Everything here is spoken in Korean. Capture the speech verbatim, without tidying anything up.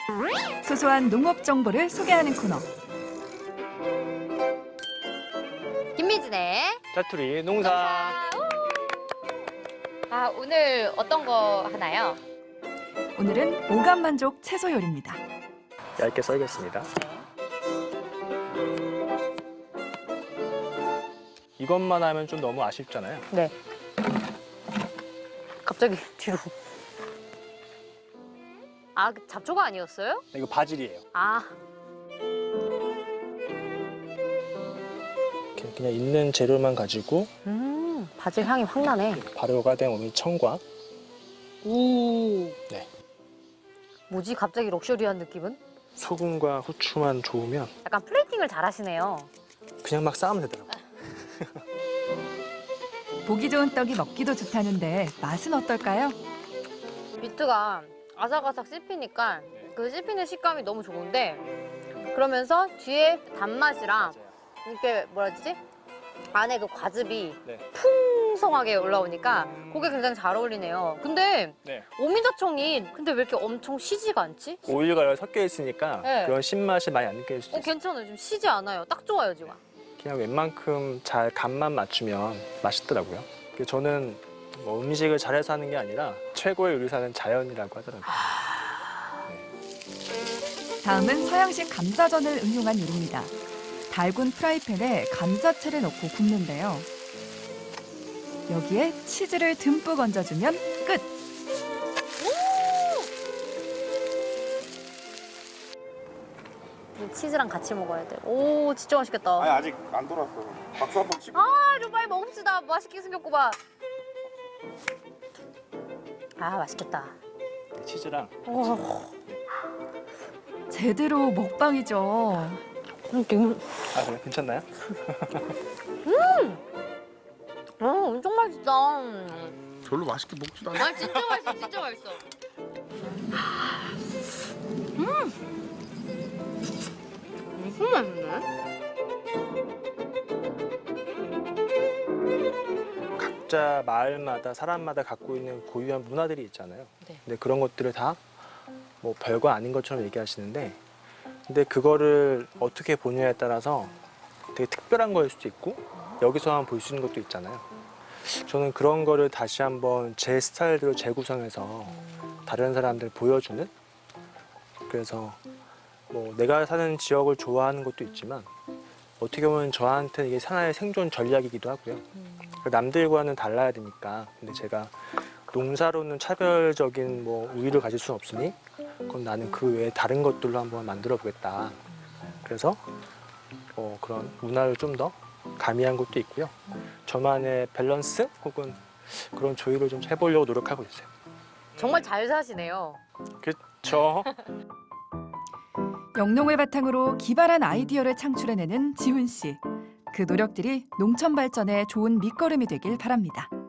소소한 농업 정보를 소개하는 코너. 김미진의 짜투리 농사. 아, 오늘 어떤 거 하나요? 오늘은 오감만족 채소 요리입니다. 얇게 썰겠습니다. 이것만 하면 좀 너무 아쉽잖아요. 네. 갑자기 뒤로. 아, 잡초가 아니었어요? 이거 바질이에요. 아, 이렇게 그냥 있는 재료만 가지고 음, 바질 향이 확 나네. 발효가 된 오늘 청과. 오. 네. 뭐지? 갑자기 럭셔리한 느낌은? 소금과 후추만 좋으면 약간 플레이팅을 잘 하시네요. 그냥 막 쌓으면 되더라고요. 보기 좋은 떡이 먹기도 좋다는데 맛은 어떨까요? 비트가 아삭아삭 씹히니까 그 씹히는 식감이 너무 좋은데 그러면서 뒤에 단맛이랑 이렇게 뭐라 해야 되지? 안에 그 과즙이 네. 풍성하게 올라오니까 그게 굉장히 잘 어울리네요. 근데 네. 오미자청이 근데 왜 이렇게 엄청 시지가 않지? 오일과 섞여 있으니까 네. 그런 신맛이 많이 안 느껴질 수도 어, 있어요. 괜찮아요. 좀 시지 않아요. 딱 좋아요, 지금. 그냥 웬만큼 잘 간만 맞추면 맛있더라고요. 그래서 저는 뭐 음식을 잘해서 하는 게 아니라 최고의 요리사는 자연이라고 하더라고요. 다음은 서양식 감자전을 응용한 요리입니다. 달군 프라이팬에 감자채를 넣고 굽는데요. 여기에 치즈를 듬뿍 얹어주면 끝! 이 치즈랑 같이 먹어야 돼. 오, 진짜 맛있겠다. 아니 아직 안 돌았어. 박수 한번 치고. 아, 좀 빨리 먹읍시다. 맛있게 생겼구만. 아, 맛있겠다. 치즈랑 오, 제대로 먹방이죠. 음, 아 그래 괜찮나요? 어, 엄청 맛있다. 별로 맛있게 먹지도 않아. 아, 진짜 맛있어, 진짜 맛있어. 음, 무슨 맛있네? 각자 마을마다 사람마다 갖고 있는 고유한 문화들이 있잖아요. 네. 근데 그런 것들을 다 뭐 별거 아닌 것처럼 얘기하시는데 근데 그거를 어떻게 보느냐에 따라서 되게 특별한 거일 수도 있고 여기서만 볼 수 있는 것도 있잖아요. 저는 그런 거를 다시 한번 제 스타일대로 재구성해서 다른 사람들 보여주는 그래서 뭐 내가 사는 지역을 좋아하는 것도 있지만 어떻게 보면 저한테 이게 하나의 생존 전략이기도 하고요. 남들과는 달라야 되니까 근데 제가 농사로는 차별적인 뭐 우위를 가질 수는 없으니 그럼 나는 그 외에 다른 것들로 한번 만들어 보겠다. 그래서 어, 그런 문화를 좀 더 가미한 것도 있고요. 저만의 밸런스 혹은 그런 조율을 좀 해보려고 노력하고 있어요. 정말 잘 사시네요. 그렇죠. 영농을 바탕으로 기발한 아이디어를 창출해내는 지훈 씨. 그 노력들이 농촌 발전에 좋은 밑거름이 되길 바랍니다.